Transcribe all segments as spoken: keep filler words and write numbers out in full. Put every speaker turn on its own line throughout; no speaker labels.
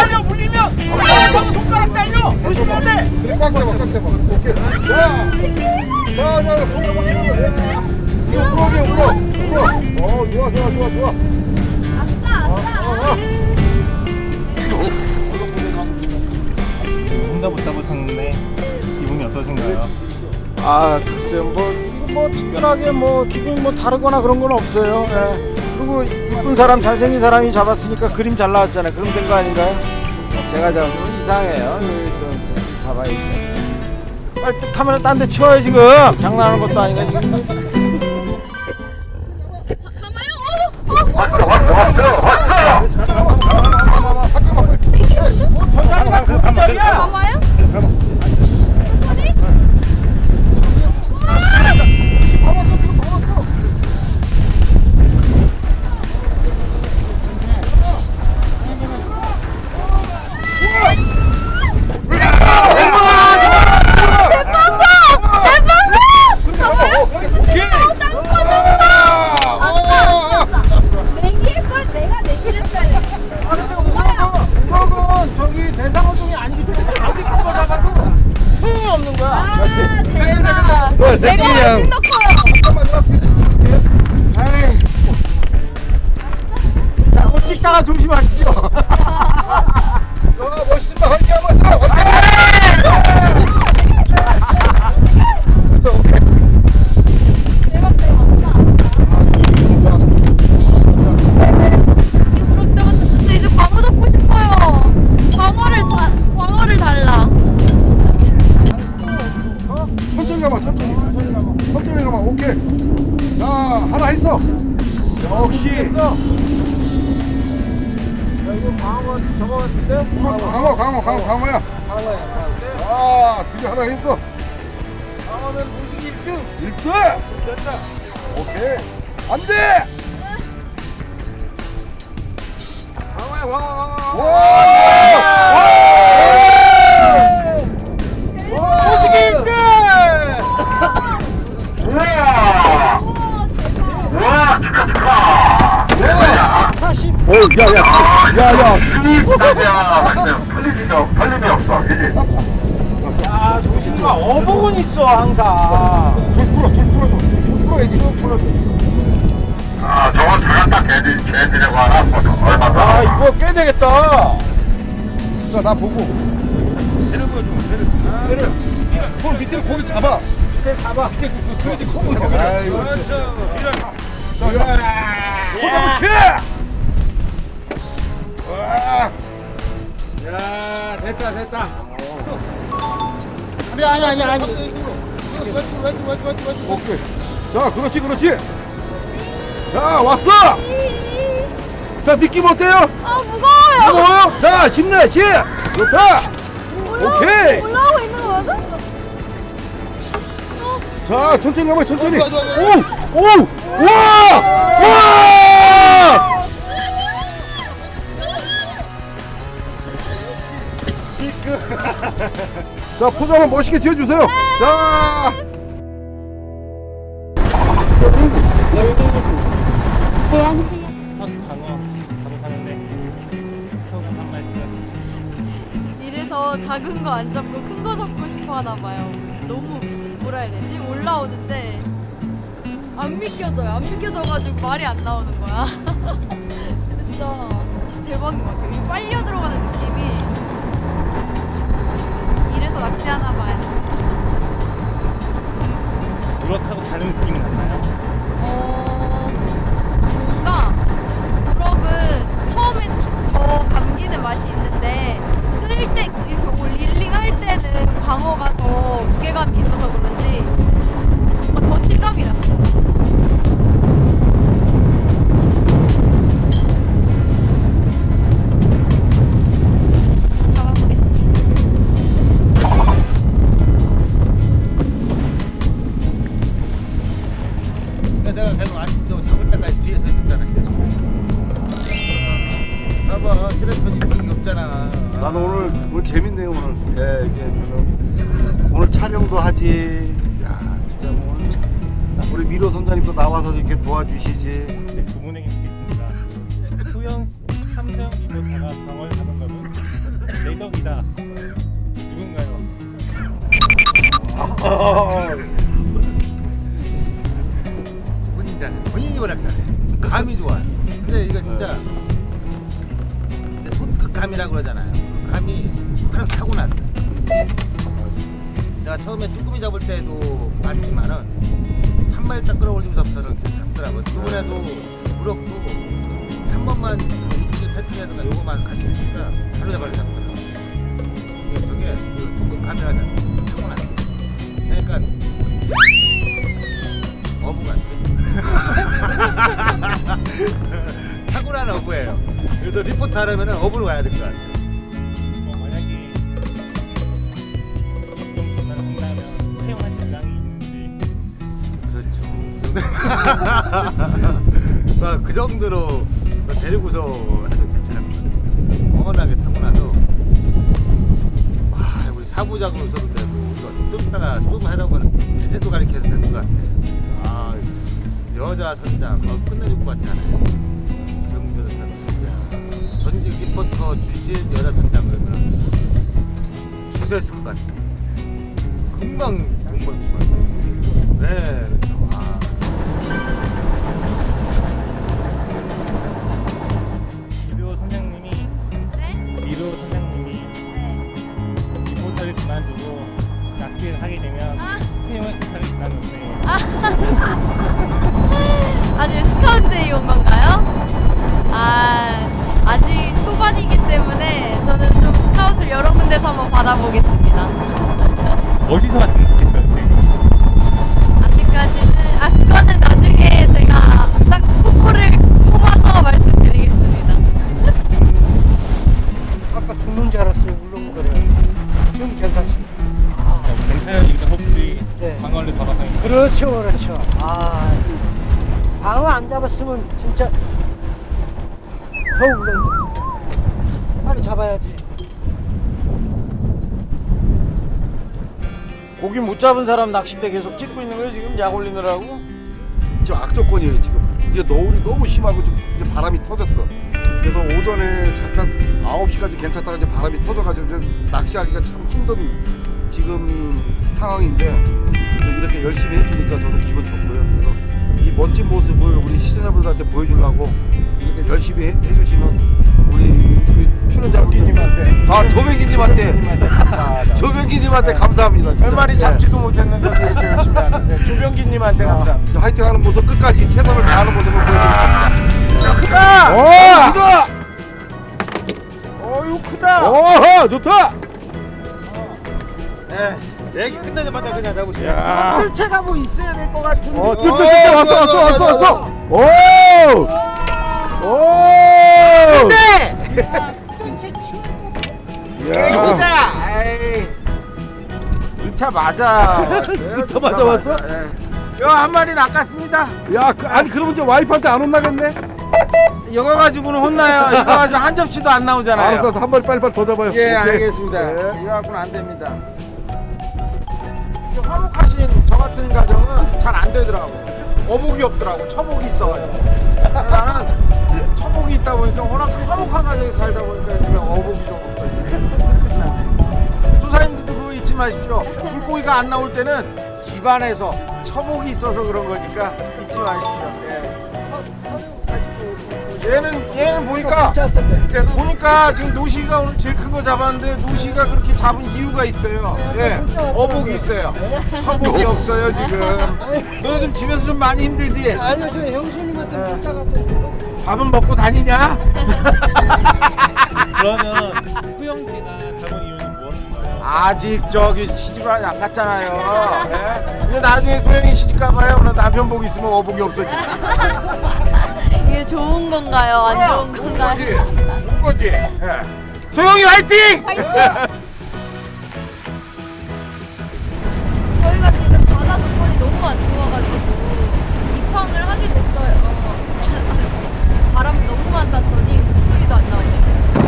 잘려 물리면 형 손가락 잘려. 조심해야 돼.
그래 꽉 잡아 꽉 잡아. 오케이. 자, 자, 자, 손가락 잡아. 이거 울어, 울어, 울어. 어, 좋아, 좋아, 좋아, 좋아.
아싸 아싸.
혼자 못 잡으셨는데 기분이 어떠신가요?
아 글쎄요 뭐 이거 뭐 특별하게 뭐 기분이 뭐 다르거나 그런 건 없어요. 예. 그리고 이쁜 사람 잘생긴 사람이 잡았으니까 그림 잘 나왔잖아요. 그럼 된 거 아닌가요? 제가 잡은 건 이상해요. 여기 좀 봐봐야죠. 빨리 카메라 딴 데 치워요 지금. 장난하는 것도 아니고 지금.
잠깐만요. 어? 어?
왔어, 왔어, 왔어. 잠깐만, 잠깐만, 잠깐만.
저 자리가 그 자리야.
잠깐만요. 천천히.
다 왔어, 지금 다 왔어.
내기했어. 내가 내기를 했어야 돼.
아 근데 우럭은 저기 대상어종이 아니기 때문에 어디 큰 거 잡아도 소용이 없는 거야.
아 대박.
뭐,
내가
새끼야.
훨씬 더 커요.
잠깐만, 나 스케치 찍을게.
에이. 자, 뭐 찍다가 조심하십시오.
야, 멋있다. 한개 한번 더. 됐어, 오케이.
대박 대박. 우럭 잡았다. 근데 이제 광어 잡고 싶어요. 광어를 자, 광어를 달라.
천천히 가봐, 천천히. 천천히 가봐. 천천히 가봐, 오케이. 자, 하나 했어.
역시. 야, 이거 방어 저거 같은데?
강어, 강어, 강어, 강어야.
방어야.
아, 드디어 하나 했어.
방어는 무식 일 등.
일 등.
됐다.
오케이. 안 돼!
방어야, 방어.
와!
무식 일 등. 다시.
오, 야, 야, 야, 야.
야 조심가 어복은 있어 항상.
줄 풀어, 줄 풀어줘. 줄, 줄 풀어야지, 줄 풀어줘.
아, 저건 잘한다, 걔들, 걔들이라고 하나? 얼마
아,
더?
이거 꽤 되겠다.
자, 나 보고.
배를 보여줘. 배를.
얘를, 손 밑으로 고기 잡아.
밑에 잡아.
밑에 그, 그, 그래야지 커 보이잖아. 아이고,
그렇죠. 이런.
자, 야. 고기 치! 와.
야, 됐다, 됐다. 아니, 아니, 아니, 아니.
오케이. 자, 그렇지, 그렇지. 자, 왔어! 자, 느낌 어때요?
아 무거워요.
무거워요? 자, 힘내, 힘! 좋다!
올라-
오케이.
올라오고 있는 거 맞아? 어?
자, 천천히 가봐, 천천히. 오! 오! 와! 와! 자, 포즈 한번 멋있게 지어주세요. 자!
첫 방어 바로 사는데 소감 한 말씀.
이래서 작은 거 안 잡고 큰 거 잡고 싶어 하나 봐요. 너무 뭐라 해야 되지? 올라오는데 안 믿겨져요. 안 믿겨져가지고 말이 안 나오는 거야. 진짜 대박인 것 같아요. 이 빨려 들어가는 느낌이. 이래서 낚시하나 봐요.
우럭하고 다른 느낌이 났나요?
어, 뭔가 우럭은 처음엔 더 감기는 맛이 있는데 끓일 때 이렇게 올 릴링 할 때는 광어가 더 무게감이 있어서 그런지 뭔가 더 실감이 났어. 잡아보겠습니다.
내가 계속 아직도 잡을 때까지 뒤에서 있었잖아. 봐봐, 트래퍼니 분이 없잖아.
나는 오늘, 오늘 재밌네요, 오늘. 예, 이게, 오늘, 오늘 촬영도 하지. 야, 진짜 오늘. 우리 미로 선장님도 나와서 이렇게 도와주시지.
네, 두 분에게 드리겠습니다. 소영, 삼성 이모타가 방어를 하는 거는 미덕이다. 누군가요?
본인이 잘해. 본인이 워낙 잘해. 감이 좋아요. 근데 이거 진짜 이제 손끝감이라고 그러잖아요. 그 감이 그냥 타고났어. 내가 처음에 쭈꾸미 잡을 때도 많지만은 한 마리 딱 끌어올리고서부터는 계속 잡더라고요. 이번에도 우럭도 한 번만 이렇게 패턴이라든가 요거만 같이 있으니까 바로 잡아서 잡더라고요. 이게 저게 그 손끝감이라는 타고났어. 그러니까 어부 같아. 타고난 어부예요. 그래서 리포트 하려면 어부로 가야 될 것 같아요.
어, 만약에 보통 전화를 한다면 태어난 대상이 있는지.
그렇죠. 아, 그 정도로 데리고서 해도 괜찮을 것 같아요. 워낙에 타고나서 아, 우리 사부작으로 있었는데도 좀 이따가 좀 하다 보면 제주도 가리켜서 될 것 같아요. 아, 여자 선장 어, 끝내줄 것 같지 않아요? 정도로 전직 리포터 출신 여자 선장 그러면 추세했을 것 같아요. 금방 돈 벌 것 같아요. 네, 그렇죠. 아.
미로 선장님이
네?
미로 선장님이
네.
리포터를 그만두고 낚시를 하게 되면
아.
태용을 그만뒀네.
아직 스카우트에 온 건가요? 아, 아직 초반이기 때문에 저는 좀 스카우트를 여러 군데서 한번 받아보겠습니다.
어디서 만났겠어요 지금?
아직까지는, 아, 그거는 나중에 제가 딱 포부를 뽑아서 말씀드리겠습니다.
아까 죽는 줄 알았어요. 울렁거려. 지금 괜찮습니다.
어, 괜찮으니까 혹시
네.
방어를 잡아서
그렇죠, 그렇죠. 아, 방어 안 잡았으면 진짜 더 울렁댔습니다. 빨리 잡아야지. 고기 못 잡은 사람 낚싯대 계속 찍고 있는 거예요 지금 약 올리느라고?
지금 악조건이에요 지금. 이게 너울이 너무 심하고 좀 이제 바람이 터졌어. 그래서 오전에 잠깐 아홉 시까지 괜찮다가 이제 바람이 터져가지고 이제 낚시하기가 참 힘든 지금 상황인데 이렇게 열심히 해주니까 저도 기분 좋고요. 그래서 이 멋진 모습을 우리 시청자분들한테 보여주려고 이렇게 열심히 해, 해주시는 우리, 우리 출연자님한테, 아 조병기님한테, 조병기님한테 감사합니다. 진짜.
한 마리 잡지도 못했는데 이렇게 열심히 하는데 조병기님한테 감사합니다.
아, 화이팅하는 모습 끝까지 최선을 다하는 모습을 보여드리겠습니다.
크다!
오, 크다!
어유 크다!
오호, 좋다!
네, 얘기 끝나자마자 그냥 잡으세요.
야.
뜰채가 뭐 있어야 될 것 같은데.
어, 뜰, 뜰, 뜰, 왔어, 왔어, 왔어, 왔어! 오! 오!
네!
야.
에이. 이 차 맞아.
차 맞아 왔어?
요한 마리 낚았습니다.
야, 그, 아니 그러면 이제 와이프한테 안 혼나겠네?
이거 가지고는 혼나요. 이거 가지고 한 접시도 안 나오잖아요.
알았어, 한 마리 빨리빨리 더 잡아요.
예,
오케이.
알겠습니다.
네.
이거 갖고는 안 됩니다. 이게 화목하신 저 같은 가정은 잘 안 되더라고. 어복이 없더라고. 처복이 있어가지고. 나는 처복이 있다 보니까 워낙 화목한 가정에 살다 보니까 요즘에 어복이 좀 없어요. 조사님들도 그거 잊지 마십시오. 물고기가 안 나올 때는 집안에서 처복이 있어서 그런 거니까 잊지 마십시오. 예. 얘는 얘는 보니까 보니까 지금 노시가 오늘 제일 큰 거 잡았는데 노시가 그렇게 잡은 이유가 있어요. 예, 어복이 있어요. 처복이 없어요 지금. 너 요즘 집에서 좀 많이 힘들지?
아니요, 저 형수님한테 문자 갔더니
밥은 먹고 다니냐?
그러면 후영 씨가 잡은 이유는 무엇인가요?
아직 저기 시집을 안 갔잖아요. 예? 근데 나중에 소영이 시집 가봐요. 그럼 남편 복 있으면 어복이 없어지.
이게 좋은 건가요? 안 좋은 건가요?
거지, 좋은 거지. 예. 소영이 화이팅!
저희가 지금 바다 조건이 너무 안 좋아가지고 입항을 하게 됐어요. 바람이 너무 많았더니 목소리도 안 나오네요.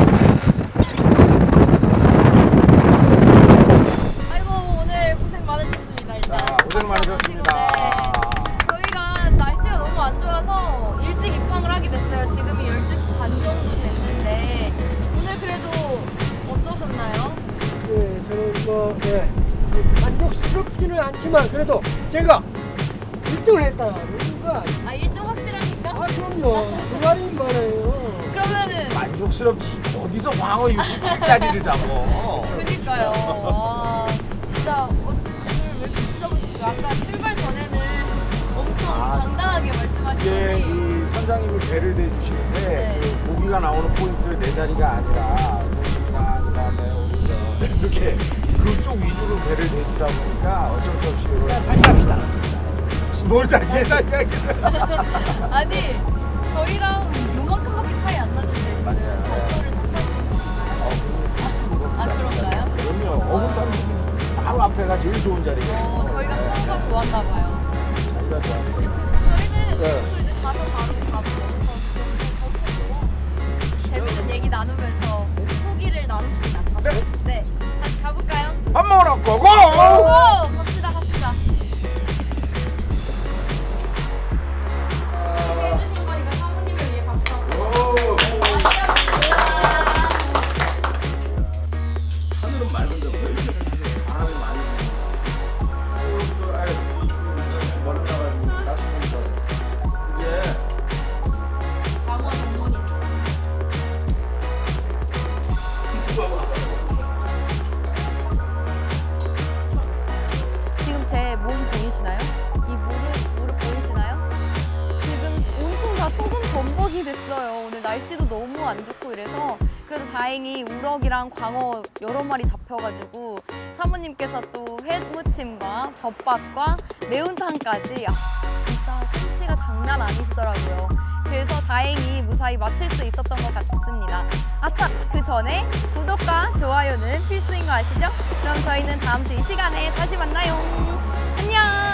아이고 오늘 고생 많으셨습니다. 일단
자, 고생 많으셨습니다.
네. 저희가 날씨가 너무 안 좋아서 일찍 입항을 하게 됐어요. 지금이 열두 시 반 정도 됐는데 오늘 그래도 어떠셨나요?
뭐 예, 만족스럽지는 않지만 그래도 제가 일 등을 했다. 그러니까
아 일 등 확실합니까?
아 그럼요. 그 말이 말이에요.
그러면은
만족스럽지 어디서 광어 육십칠 짜리를 잡어.
그니까요. 와, 진짜 오늘 왜 이렇게 붙잡으셨어요? 아까 출발 전에는 엄청
아,
당당하게
이게
말씀하시더니
이 선장님이 배를 대주시는데
네.
그 고기가 나오는 포인트를 내 자리가 아니라 도시나 그다음에 오히려 이렇게 그쪽 위주로 배를 대주다 보니까 어쩔 수 없이 이런
다시 합시다.
뭘 다시 해서
아니 저희랑 요만큼밖에 차이 안 나는데 지금
맞아요.
장소를 탓하시는 아 그런가요?
그럼요. 어묵 담기 바로 앞에가 제일 좋은 자리예요.
어, 저희가 평소 좋았나 봐요.
자리가 좋았어요.
저희는
네.
지금도 이제 가서 바로 밥을 먹어서 좀 재밌는 얘기 나누면서 후기를 나눕시다.
네.
네, 다시 가볼까요?
밥 먹으러 고고!
오, 갑시다, 갑시다. 해주신 거니까 사모님을 위해 박수 한번.
하늘은 맑은데 왜 이렇게 바람이 많이 부는 머리 따가지고 따스면서 이제
광어 전문이. 지금 제 몸 보이시나요? 이 무릎, 무릎 보이시나요? 지금 온통 다 소금 범벅이 됐어요. 오늘 날씨도 너무 안 좋고 이래서 그래도 다행히 우럭이랑 광어 여러 마리 잡혀가지고 사모님께서 또 회무침과 덮밥과 매운탕까지 아, 진짜 솜씨가 장난 아니시더라고요. 그래서 다행히 무사히 마칠 수 있었던 것 같습니다. 아차! 그 전에 구독과 좋아요는 필수인 거 아시죠? 그럼 저희는 다음 주 이 시간에 다시 만나요. 안녕!